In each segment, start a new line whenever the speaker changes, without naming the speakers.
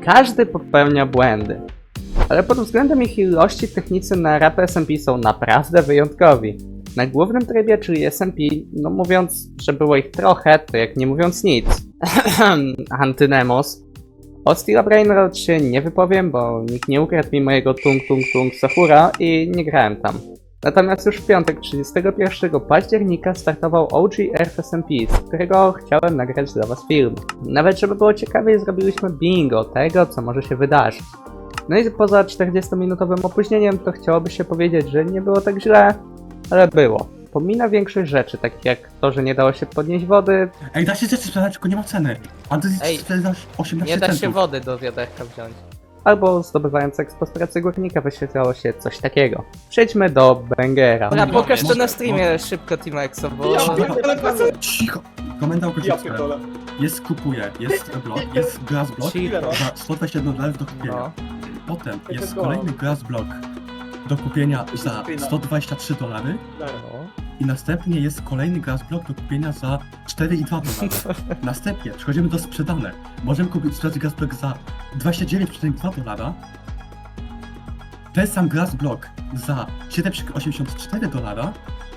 Każdy popełnia błędy. Ale pod względem ich ilości technicy na rapy SMP są naprawdę wyjątkowi. Na głównym trybie, czyli SMP, no mówiąc, że było ich trochę, to jak nie mówiąc nic. Antynemos. O Steel Brain Road się nie wypowiem, bo nikt nie ukradł mi mojego Tung Tung Tung Sakura i nie grałem tam. Natomiast już w piątek 31 października startował OG Earth SMP, z którego chciałem nagrać dla was film. Nawet żeby było ciekawiej, zrobiliśmy bingo tego, co może się wydarzyć. No i poza 40-minutowym opóźnieniem, to chciałoby się powiedzieć, że nie było tak źle, ale było. Pomina większość rzeczy, takich jak to, że nie dało się podnieść wody.
Ej, da się rzeczy sprzedać, tylko nie ma ceny. A ty
Ej,
sprzedasz 18
Nie da się
centów.
wody do wiaderka wziąć.
Albo zdobywając ekspostrację górnika wyświetlało się coś takiego. Przejdźmy do Bangera.
Dobra,
Dobra,
pokaż to
może-
na streamie szybko Team Exo, bo...
Cicho! Komenda
Ja
określona.
pierdolę.
Jest kupuje, jest blok, jest glass block
Cicho.
za 121 dolarów do kupienia.
No.
Potem
to
jest
go.
kolejny glass block do kupienia za 123 dolary.
No.
I następnie jest kolejny glass block do kupienia za 4,2 dolary. Następnie przechodzimy do sprzedane. Możemy kupić sprzedać glass block za 29,2 dolara. Ten sam glass block za 7,84 dolara.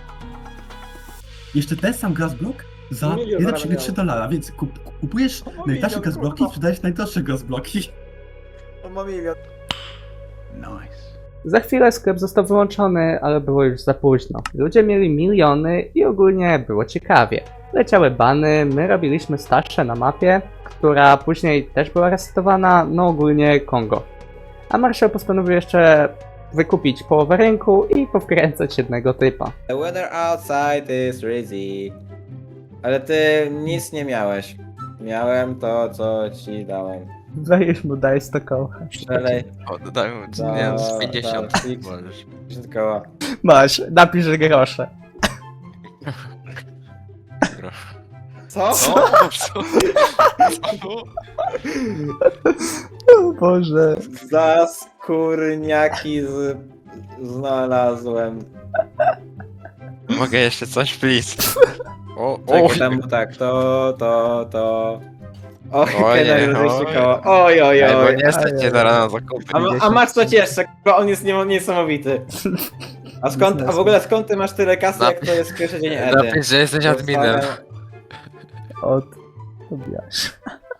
Jeszcze ten sam glass block za
Milion
1,3 dolara, więc kupujesz najtańsze glass blocki i sprzedajesz najdroższe glass blocki.
On ma milion.
Nice.
Za chwilę sklep został wyłączony, ale było już za późno. Ludzie mieli miliony i ogólnie było ciekawie. Leciały bany, my robiliśmy stasze na mapie, która później też była resetowana, no ogólnie Kongo. A Marshall postanowił jeszcze wykupić połowę rynku i powkręcać jednego typa.
The weather outside is crazy. Ale ty nic nie miałeś. Miałem to, co ci dałem.
Weź mu daj 100 koła.
Przelej
O, dodaj mu,
za-
nie, z 50
za X.
możesz.
50 koła.
Masz, napisz grosze.
Co?
O, co?
O Boże.
Za skórniaki znalazłem.
Mogę jeszcze coś, please? O,
Czekaj, tam tak, to. Oj,
Oj,
Kenner,
oj.
200 koła. Oj, oj,
Ej, bo
oj.
nie stać cię zaraz na zakupy.
A masz coś jeszcze, k***a, on jest niesamowity. A w ogóle skąd ty masz tyle kasy, jak to jest pierwszy dzień Edy?
Napisz, że jesteś adminem.
Od Tobiasz.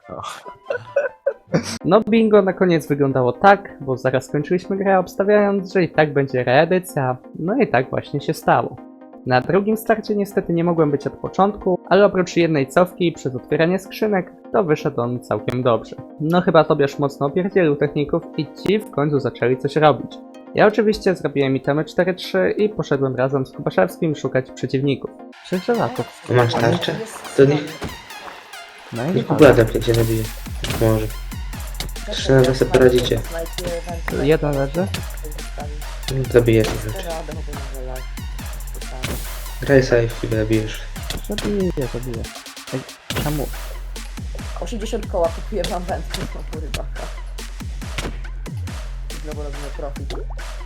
No bingo na koniec wyglądało tak, bo zaraz skończyliśmy grę obstawiając, że i tak będzie reedycja, no i tak właśnie się stało. Na drugim starcie niestety nie mogłem być od początku, ale oprócz jednej cofki przez otwieranie skrzynek, to wyszedł on całkiem dobrze. No chyba Tobiasz mocno opierdzielił techników i ci w końcu zaczęli coś robić. Ja oczywiście zrobiłem itemy 4-3 i poszedłem razem z Kubaszewskim szukać przeciwników. 6 żelaków.
Masz tarczę? To nie,
No i
nie pobladam, jak cię zabiję. Może. 3 na 2 sobie poradzicie.
jeden leży.
Zabiję cię rzeczy. Graj safe i zabijesz.
Zabiję. Ej, czemu?
80 koła kupuję wam wędkę, no kurwa. Znowu robimy profit.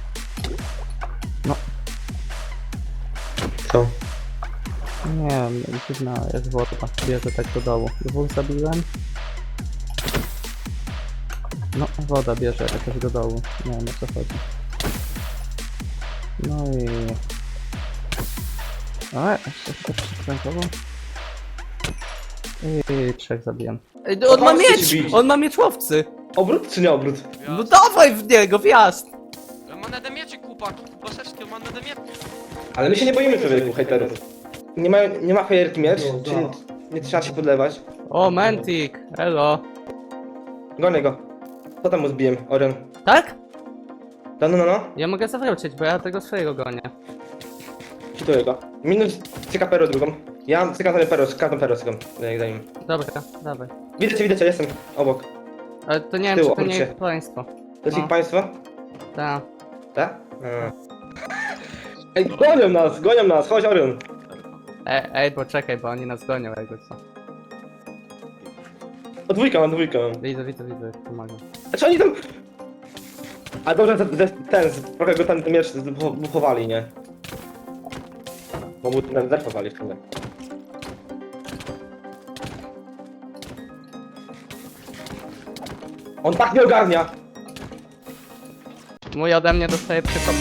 Co?
Nie wiem, dziwna jest woda. Bierze tak do dołu. Dwóch zabiłem. No, woda bierze jakoś do dołu. Nie wiem o co chodzi. No i... A, jeszcze przykrętowo. I 3 zabiłem.
Ej, on ma
Pomóżcie
miecz!
ci bić.
On ma miecz łowcy!
Obrót czy nie obrót?
No dawaj w niego, wjazd!
Ma nade mieczy, chłopaki, Kubaszewski, ma nade mieczy.
Ale my się nie boimy człowieku, hejterów. Nie ma fajerki miecz, czyli nie trzeba się podlewać.
O, Mantic! Elo!
Gonię go. Co tam mu zbiłem, Orion?
Tak?
No.
Ja mogę zawrócić, bo ja tego swojego gonię.
Hituję go. Minus cyka pero drugą. Ja cykam ten pero, cykam pero, cykam. Za nim.
Dobra, dawaj.
Widzę cię, jestem obok.
Ale to nie
Z
wiem,
tyłu,
czy to nie
obróć
jest
się.
państwo.
To jest
No.
ich państwo?
Tak.
Tak? Ej, gonią nas, chodź Orion.
Ej, poczekaj, bo oni nas gonią jakby co.
O dwójka mam.
Widzę, pomagam.
Znaczy oni tam... A dobrze, trochę go ten miecz buchowali, nie? Bo mu ten zerfowali w sumie. On tak nie ogarnia.
Mój ode mnie dostaje 3 kopy.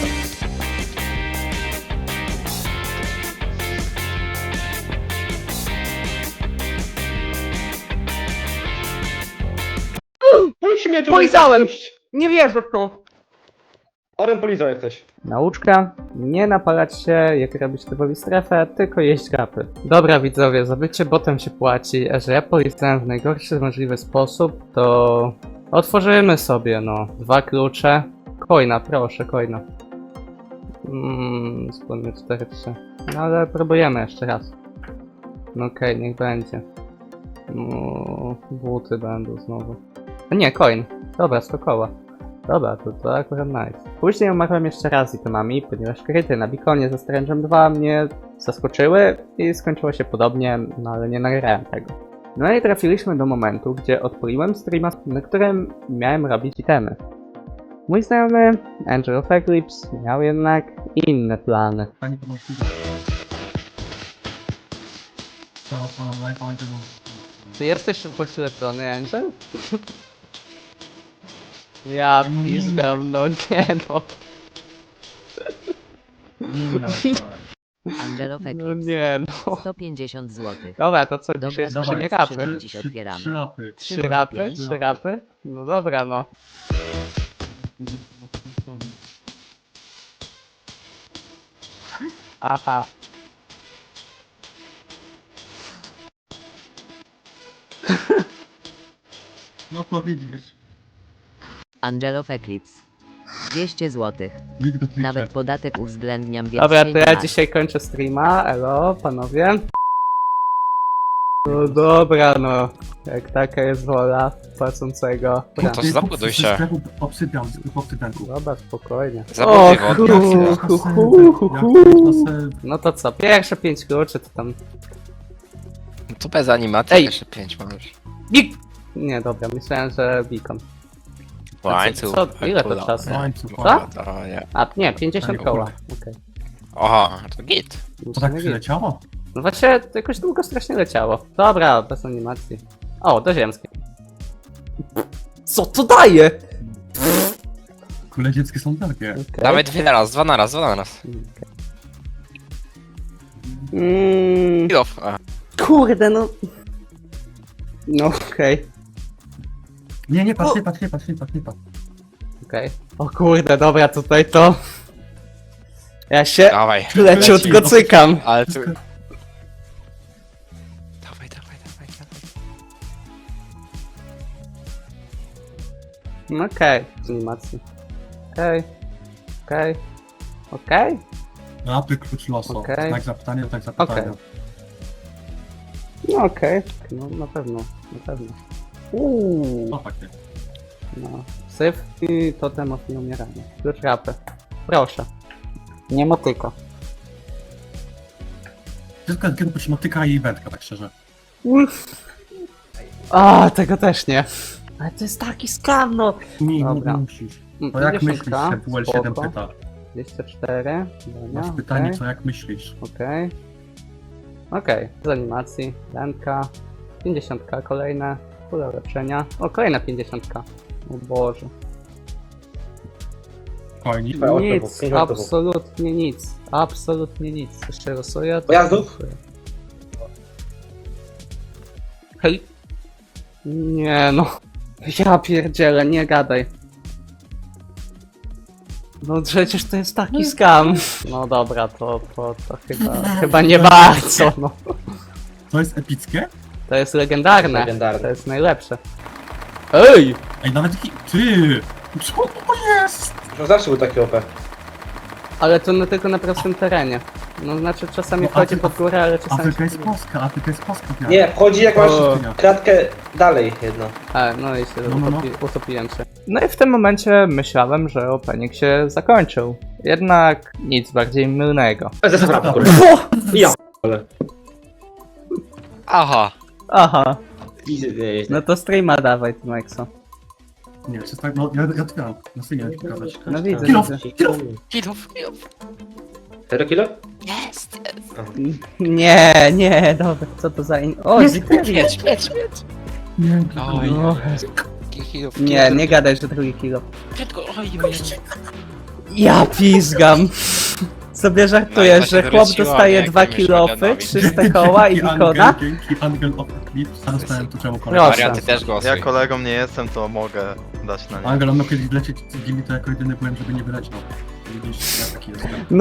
Puść mnie tu!
Polizałem! Nie wierzę w to!
Oren polizał jak coś.
Nauczka, nie napalać się, jak robić typowi strefę, tylko jeść grapy. Dobra widzowie, za bycie botem się płaci, a że ja polizałem w najgorszy możliwy sposób, to otworzymy sobie, no, 2 klucze. Coina, proszę, coina. Wspólnie 4-3. No ale próbujemy jeszcze raz. No okej, niech będzie. No, buty będą znowu. A nie, coin. Dobra, 100 koła. Dobra, to akurat nice. Później umarłem jeszcze raz itemami, ponieważ kryty na bikonie ze Strange'em 2 mnie zaskoczyły i skończyło się podobnie, no ale nie nagrałem tego. No i trafiliśmy do momentu, gdzie odpaliłem streama, na którym miałem robić itemy. Mój znajomy, Angel of Eclipse, miał jednak inne plany.
Pani pomocniku. To pan najpierw.
Ty jesteś poślepiony, Angel? Ja pizgam, no nie no.
Angelo
No
Feklis,
nie no.
150 zł.
Dobra, to co,
Dobra,
dzisiaj jest
dawaj,
3 rapy?
trzy- Dziś otwieramy.
3 rapy.
3 rapy? 3 rapy? No dobra no. Aha.
No to widzisz.
Angelo Feklis, 200 zł.
Widzę Twitcha.
Nawet podatek uwzględniam, więc
Dobra, to
nie
ja
masz.
dzisiaj kończę streama, elo, panowie. No dobra, no. Jak taka jest wola płacącego. Dobra,
To zabuduj się.
Obsypiam, z obsypianku.
dobra, spokojnie.
Zabuduj wodkę.
No to co, pierwsze 5 kluczy to tam...
Tu bez animacji
Ej.
jeszcze 5 możesz.
Bik! Nie, dobra, myślałem, że beacon.
Łańcuch.
co, ile to czasu?
Łańcuch,
Co?
To nie.
A, nie, 50
Ej,
koła.
kurde.
Okej.
Oha, to git.
To tak przyleciało?
No właśnie, to jakoś długo strasznie leciało. Dobra, bez animacji. O, do ziemskiej. Co to daje?
Kule dzieckie są wielkie.
Okay.
Dawaj dwa na raz. Kilof. A.
Kurde, no... No okej.
Nie, patrz, nie patrz.
Okej. O kurde, dobra, tutaj to... Ja się
Dawaj.
leciutko cykam.
Ale tu... Dawaj.
No okej, z animacji. Okej.
Rapy, klucz losu.
Okej.
Tak zapytanie, tak zapytanie.
Okej. No okej, no na pewno.
No takie.
No. Syf i totem od nieumierania. Klucz rapy. Proszę. Nie motyko.
Tylko kiedy się motyka i wędka, tak szczerze.
A, tego też nie. Ale to jest taki skam, no.
Nie
Dobra.
musisz. To jak
50,
myślisz, się WL7
spoko.
pyta.
204.
Masz
Dobra,
pytanie,
okej.
co jak myślisz.
Okej, z animacji, wędka, 50 kolejne, kule ulepszenia, o kolejna 50. O Boże.
Fajnie.
Nic, absolutnie nic. Jeszcze losuję, to
Pojazdów?
losuję. Hej. Nie no, ja pierdzielę, nie gadaj. No przecież to jest taki skam. No dobra, to chyba nie bardzo, no.
To jest epickie?
To jest legendarne.
Legendarne.
To jest najlepsze. Ej!
Ej, nawet taki... Ty! Co to jest?
No zawsze był taki OP.
Ale to tylko na prostym terenie. No znaczy czasami
No,
wchodzi pod górę, ale czasami...
Afryka jest Polska, Afryka jest Polska.
Nie, wchodzi jak masz
O.
kratkę dalej jedno.
A, no i się
No.
utopiłem się. No i w tym momencie myślałem, że opening się zakończył. Jednak nic bardziej mylnego.
Zestaw kurde. Ja. Ale.
Aha.
Aha,
Easy,
no to streama dawaj, ty Maxo.
Nie, czy tak, no ja otwieram. Na synie pokazać.
No widzę,
Kilof,
widzę.
kilof!
Kilof.
4 kilo?
Jest.
Nie, dobra, co to za O,
Jest,
Ziperi.
Miecz.
Nie,
Oj.
No,
Drugi kill.
Nie, nie gadaj, że drugi kilo.
Prędko, oj,
Ja pizgam. Sobie żartujesz,
No i
że
właśnie
chłop
wróciła,
dostaje
nie,
2
jakimiś
kilofy,
medalami.
300 koła i
Dzięki
Nikona?
Dzięki Angel of Eclipse, a dostałem tu czemu kolegę.
Proszę.
Marian, ty też głosuj.
Ja kolegą nie jestem, to mogę dać na nie.
Angel, on miał kiedyś wlecieć z gili, to jako jedyny byłem, żeby nie wyleciał. Widzisz, ja taki jestem.
No.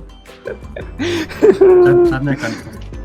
Żadne ekrany.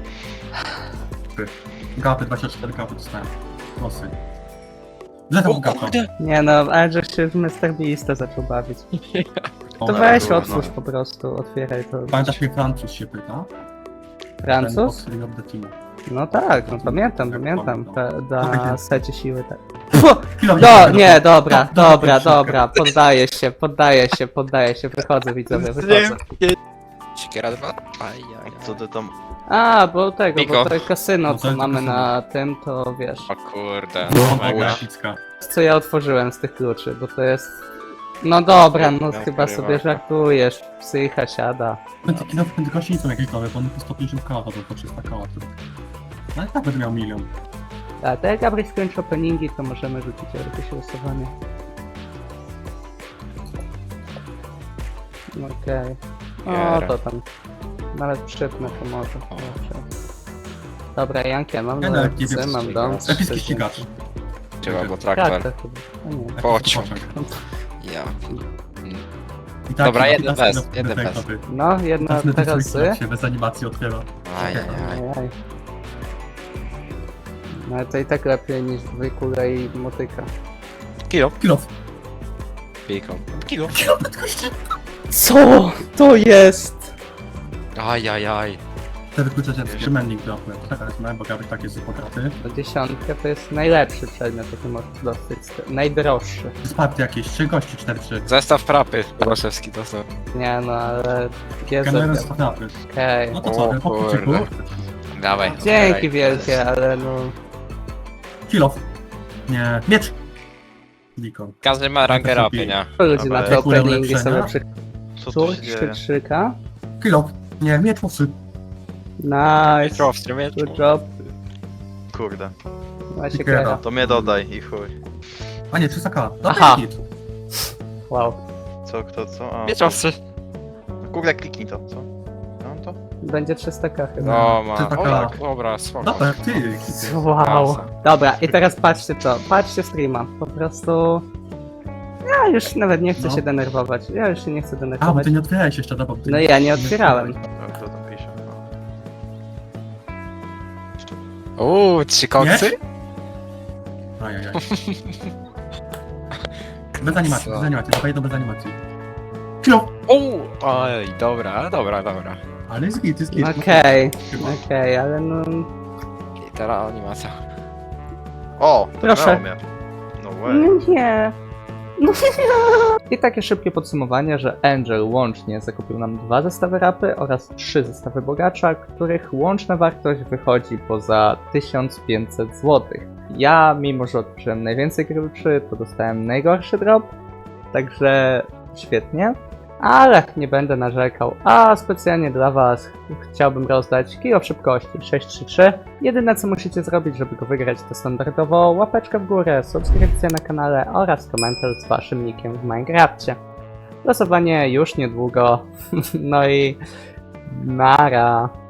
Gapy, 24 gapy dostałem. Losy. Zlecam gapa.
Nie no, ale że się w Mr. Beasta zaczął bawić. To weź otwórz po prostu, otwieraj to.
Pamiętasz mnie Francuz się pyta? Ten
Francuz?
Oxley of the Team.
No tak, no pamiętam. Na secie siły tak. Pfu!
Chwila,
No,
nie,
nie, dobra,
No,
dobra,
szybko.
dobra, poddaję się, wychodzę widzowie, wychodzę.
Siekiera 2? Ajajaj.
Co ty tam...
A, bo tego,
Miko.
bo to kasyno,
No to
co
jest
mamy
kasyno.
na tym, to wiesz.
O kurde.
No,
Mega.
grafika.
Co ja otworzyłem z tych kluczy, bo to jest... No dobra, no
No,
chyba
chyba.
sobie żartujesz, psycha siada.
Te kino prędkości nie są jakieś nowe, bo one po 150 koła to po 300 koła. No i tak będę miał milion.
A to jak Gabryś skończy openingi, to możemy rzucić jakieś losowanie. Okej. O,
Giera.
to tam. Nawet przypnę to może. Dobrze. Dobra, Jankę, mam
Ja nawet nie
lekcję,
wiem, co
mam
się
dom.
gra. Epicki ścigacz.
Trzeba, bo
Tak,
traktor.
to chyba. A nie.
Pociąg.
Epicki
Ja.
I tak,
Dobra,
i
jeden
tak,
bez, jeden bez.
No, jedna
Następny
teraz
trójki
z.
się bez animacji otwiera.
Ajajaj.
Ajaj. No ale to i tak lepiej niż dwójkula i motyka.
Kilo.
Kilof.
Piko. Kilo.
Co to jest?
Ajajaj.
Te wykluczenia trzymennik dropły. Teraz miałem, bo Gabryś tak jest bogaty.
No 10 to jest najlepszy przedmiot, jaki możesz dostać. Najdroższy.
Sparty jakieś, 3 gości, 4-3.
Zestaw frapy. Groszewski dostał.
Nie no, ale...
Generalnie
Jezu,
z kwapy.
okej.
No to co,
O
po kluczyku?
kurde. Dawaj.
Dzięki
otwieraj.
wielkie, ale no...
Kilof. Nie, miecz. Nikon.
Każdy ma rangę rapy, nie?
Ludzie na te
Dobra,
openingi są
ulepszenia?
lepsze.
Co tu się dzieje?
Krzyka.
Kilof. Nie, miecz mocny.
Nice.
Mieczowstry, miecz.
Good job.
Kurde.
Właśnie
Giera.
kiera.
To mnie dodaj i chuj.
A nie, 300k.
Aha.
Hit.
Wow.
Co, kto, co? A,
Mieczowstry.
kurde, kliknij to, co? Mam to?
Będzie 300k chyba.
No ma.
Ty taka-
O, dobra, spoko.
Dobra, ty.
Wow.
Kasa.
Dobra, i teraz patrzcie to. Patrzcie streama. Po prostu... Ja już nawet nie chcę
No.
się denerwować. Ja już się nie chcę
A, bo
denerwować.
ty nie otwierałeś jeszcze, dobra. bo ty
No ja nie otwierałem.
No, kto tam pisze? No.
Trzy koksy?
Ajajaj. Bez animacji,
Co?
bez animacji, dawaj jedno bez animacji. Kilof.
Oj, dobra.
Ale jest git, jest git.
Okej,
Chyba.
okej, ale no...
I teraz animacja.
O!
Proszę.
Proszę. Mnie. No way.
No nie. No nie. I takie szybkie podsumowanie, że Angel łącznie zakupił nam 2 zestawy rapy oraz 3 zestawy bogacza, których łączna wartość wychodzi poza 1500 zł. Ja, mimo że odkryłem najwięcej kluczy, to dostałem najgorszy drop, także świetnie. Ale nie będę narzekał, a specjalnie dla was chciałbym rozdać kilo w szybkości 633. Jedyne co musicie zrobić, żeby go wygrać, to standardowo łapeczka w górę, subskrypcja na kanale oraz komentarz z waszym nickiem w Minecrafcie. Losowanie już niedługo, no i nara.